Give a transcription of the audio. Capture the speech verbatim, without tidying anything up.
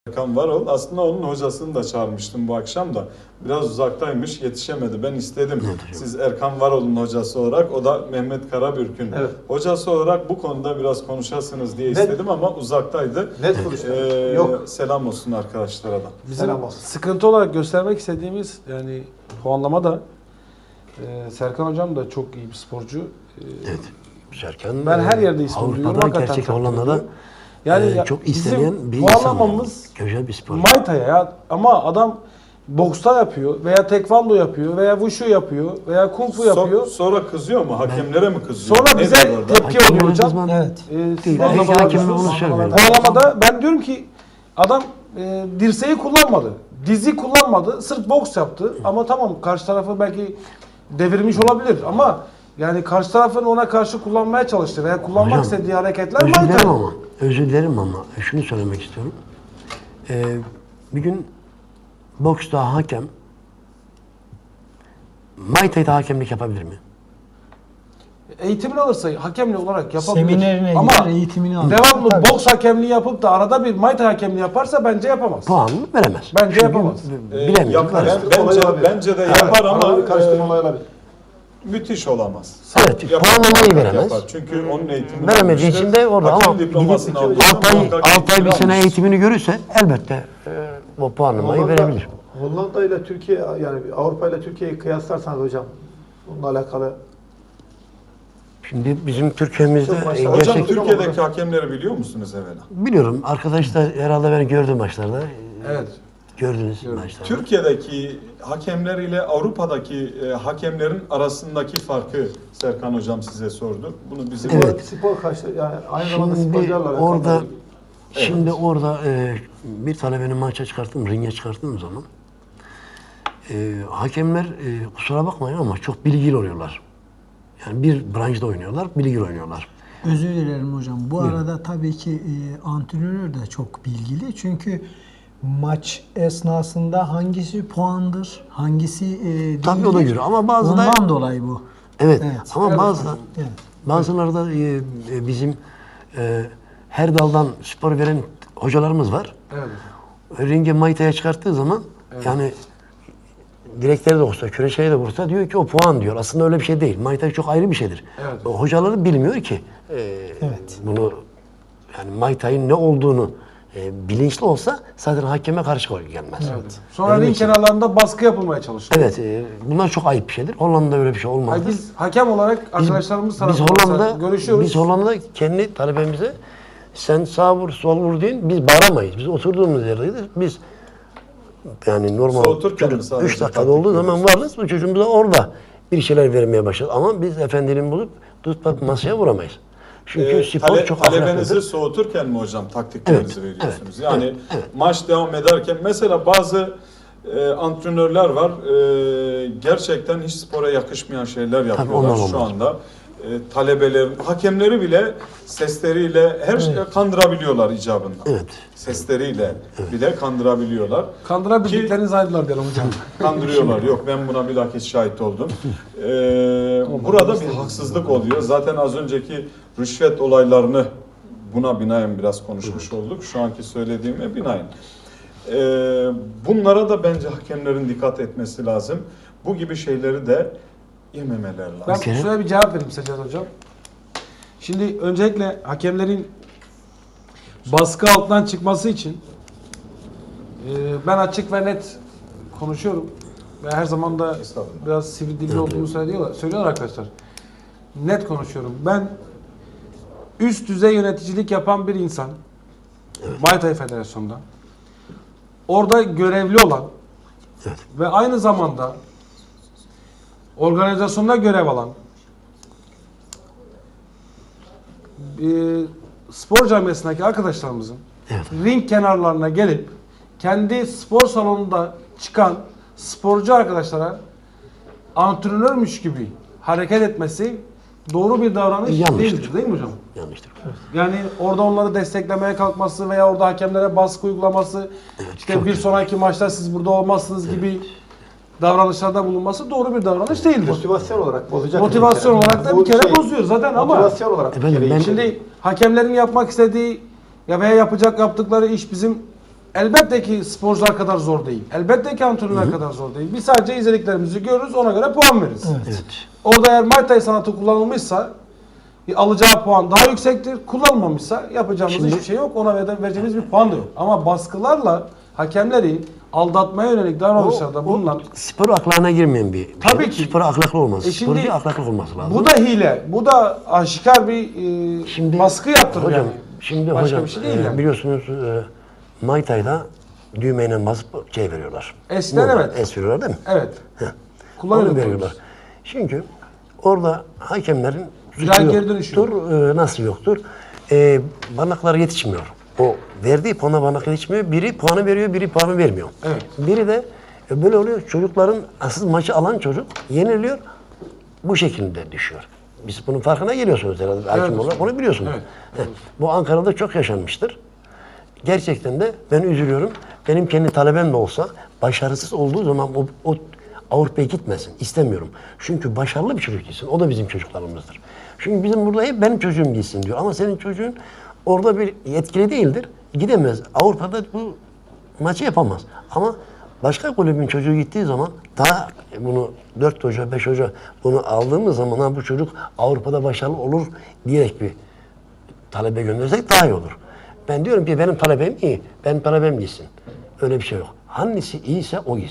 Erkan Varol. Aslında onun hocasını da çağırmıştım bu akşam da. Biraz uzaktaymış, yetişemedi. Ben istedim. Evet, siz Erkan Varol'un hocası olarak, o da Mehmet Karabürk'ün evet. hocası olarak bu konuda biraz konuşasınız diye istedim net, ama uzaktaydı. Net konuşalım. Ee, Yok. Selam olsun arkadaşlara da. Bizim selam olsun. Sıkıntı olarak göstermek istediğimiz yani puanlama da e, Serkan hocam da çok iyi bir sporcu. E, evet. Serkan ben her yerde ismini duyuyorum. Avrupa'da, gerçek Hollanda'da yani e, çok istenen bir puanlamamız güzel bir spor. Muay Thai ya, ama adam boksta yapıyor veya tekvando yapıyor veya wushu yapıyor veya kung fu yapıyor. So sonra kızıyor mu? Hakemlere ben, mi kızıyor? Sonra bize tepki hakem oluyor hocam. Evet. Ee, Hakem bunu söylüyor. Puanlamada ben diyorum ki adam e, dirseği kullanmadı. Dizi kullanmadı. Sırf boks yaptı. Ama tamam, karşı tarafı belki devirmiş olabilir ama yani karşı tarafın ona karşı kullanmaya çalıştı veya kullanmak hocam, istediği hareketler Muay Thai. Ama özür dilerim ama şunu söylemek istiyorum. Ee, bir gün boksta hakem Muay Thai'de hakemlik yapabilir mi? Eğitimini alırsa hakemli olarak yapabilir. Seminerine ama gider, eğitimini alır. Devamlı tabii. boks hakemliği yapıp da arada bir Muay Thai hakemliği yaparsa bence yapamaz. Puanını veremez. Bence Çünkü yapamaz. Bilemiyorum. Ee, ben, bence, bence de yapar ama e, müthiş olamaz. Evet, puanlamayı veremez. Yapar. Çünkü onun eğitimini veremediği için de orada ama altı ay bir sene eğitimini görürse elbette e, o puanlamayı Hollanda, verebilir. Hollanda ile Türkiye, yani Avrupa ile Türkiye'yi kıyaslarsanız hocam bununla alakalı. Şimdi bizim Türkiye'mizde e, gerçek... Hocam Türkiye'deki hakemleri biliyor musunuz evvela? Biliyorum. Arkadaşlar herhalde beni gördü maçlarda. Evet. Gördünüz maçlarda. Türkiye'deki hakemler ile Avrupa'daki e, hakemlerin arasındaki farkı Serkan hocam size sordu. Bunu bizim evet. spor karşı yani aynı zamanda şimdi sporcularla orada alakalı. şimdi evet. orada e, bir talebenin maça çıkarttım, ringe çıkarttığım zaman e, hakemler e, kusura bakmayın ama çok bilgili oluyorlar. Yani bir branşta oynuyorlar, bilgili oynuyorlar. Özür dilerim hocam. Bu Buyurun. arada tabii ki e, antrenör de çok bilgili. Çünkü maç esnasında hangisi puandır, hangisi e, değildir. Tabii o da göre ama bazı Ondan da, dolayı bu. Evet, evet. ama evet. bazı evet. bazıları da e, e, bizim e, her daldan spor veren hocalarımız var. Evet. Ringe Muay Thai'ye çıkarttığı zaman evet. yani direkleri de olsa, küreçeye de vursa diyor ki o puan diyor. Aslında öyle bir şey değil. Muay Thai çok ayrı bir şeydir. Evet. O hocaları bilmiyor ki e, evet. bunu yani Muay Thai'nin ne olduğunu e, bilinçli olsa zaten hakeme karşı gelmez. Evet. Sonra ring kenarlarında baskı yapılmaya çalışıyor. Evet. E, bunlar çok ayıp bir şeydir. Hollanda'da öyle bir şey olmaz. Biz hakem olarak arkadaşlarımız tarafından biz Hollanda'da görüşüyoruz. Biz Hollanda'da kendi talebemize sen sağ vur, sol vur deyin. Biz bağıramayız. Biz oturduğumuz yerdeyiz. Biz yani normal üç dakikada olduğu zaman varız. Bu çocuğumuz da orada bir şeyler vermeye başladı. Ama biz efendinin bulup tutup masaya vuramayız. Çünkü ee, spor tale, çok talebenizi soğuturken mi hocam taktiklerinizi evet, veriyorsunuz? Evet, yani evet, evet. maç devam ederken mesela bazı e, antrenörler var e, gerçekten hiç spora yakışmayan şeyler yapıyorlar Tabii, şu anda. E, talebelerin, hakemleri bile sesleriyle her evet. şeyi kandırabiliyorlar icabında. Evet. Sesleriyle evet. bile kandırabiliyorlar. Kandırabildiklerini zannediyorlar diyelim hocam. Kandırıyorlar. Yok, ben buna bilakis şahit oldum. Ee, burada bir haksızlık oluyor. Zaten az önceki rüşvet olaylarını buna binaen biraz konuşmuş olduk. Şu anki söylediğime binaen. Ee, bunlara da bence hakemlerin dikkat etmesi lazım. Bu gibi şeyleri de yememeler lazım. Ben okay. şöyle bir cevap vereyim Seccad hocam. Şimdi öncelikle hakemlerin baskı altından çıkması için e, ben açık ve net konuşuyorum. Ve her zaman da biraz sivri dilli olduğumu söylüyorlar, söylüyorlar arkadaşlar. Net konuşuyorum. Ben üst düzey yöneticilik yapan bir insan, evet. Muay Thai Federasyonu'nda orada görevli olan evet. ve aynı zamanda organizasyonda görev alan e, spor camiasındaki arkadaşlarımızın evet. ring kenarlarına gelip kendi spor salonunda çıkan sporcu arkadaşlara antrenörmüş gibi hareket etmesi doğru bir davranış Yanlıştır. değildir, değil mi hocam? Yanlıştır. Evet. Yani orada onları desteklemeye kalkması veya orada hakemlere baskı uygulaması, evet, işte bir sonraki maçta siz burada olmazsınız evet. gibi davranışlarda bulunması doğru bir davranış değildir. Motivasyon olarak bozacak. Motivasyon olarak da bir kere şey, bozuyor zaten ama motivasyon olarak efendim, ben şimdi hakemlerin yapmak istediği ya veya yapacak yaptıkları iş bizim elbette ki sporcular kadar zor değil. Elbette ki antrenörler kadar zor değil. Biz sadece izlediklerimizi görürüz, ona göre puan veririz. Evet. Orada eğer Muay Thai sanatı kullanılmışsa alacağı puan daha yüksektir. Kullanılmamışsa yapacağımız Şimdi- hiçbir şey yok. Ona vere- vereceğimiz bir puan da yok. Ama baskılarla hakemleri aldatmaya yönelik davranışlarda bulunan Spor aklına girmeyen bir, bir Tabii şey. ki. Spor ahlaklı olmaz. E şimdi- Sporcu ahlaklı olması lazım. bu da hile. Bu da aşikar bir e, Şimdi- baskı yaptırır hocam, yani. Şimdi Başka hocam bir şey değil e, yani. biliyorsunuz e, Muay Thai'da düğmeyle basıp şey veriyorlar. Eskiden Normal, evet. Es veriyorlar değil mi? Evet. Heh. Kullanıyorduk Onu veriyorlar. Çünkü orada hakemlerin Viral suçu geri dönüşü yok. yoktur. E, nasıl yoktur? E, barnakları yetişmiyor. O verdiği puana barnak yetişmiyor. Biri puanı veriyor, biri puanı vermiyor. Evet. Biri de e, böyle oluyor. Çocukların asıl maçı alan çocuk yeniliyor. Bu şekilde düşüyor. Biz bunun farkına geliyorsunuz herhalde. Hakim olarak onu biliyorsunuz. Evet. Heh. Bu Ankara'da çok yaşanmıştır. Gerçekten de ben üzülüyorum. Benim kendi talebem de olsa başarısız olduğu zaman o, o Avrupa'ya gitmesin. İstemiyorum. Çünkü başarılı bir çocuk gitsin. O da bizim çocuklarımızdır. Çünkü bizim burada hep benim çocuğum gitsin diyor. Ama senin çocuğun orada bir yetkili değildir. Gidemez. Avrupa'da bu maçı yapamaz. Ama başka kulübün çocuğu gittiği zaman daha bunu dört hoca, beş hoca bunu aldığımız zaman ha, bu çocuk Avrupa'da başarılı olur diyerek bir talebe göndersek daha iyi olur. Ben diyorum ki benim talebem iyi. Benim talebem gitsin. Öyle bir şey yok. Hangisi iyiyse o gitsin.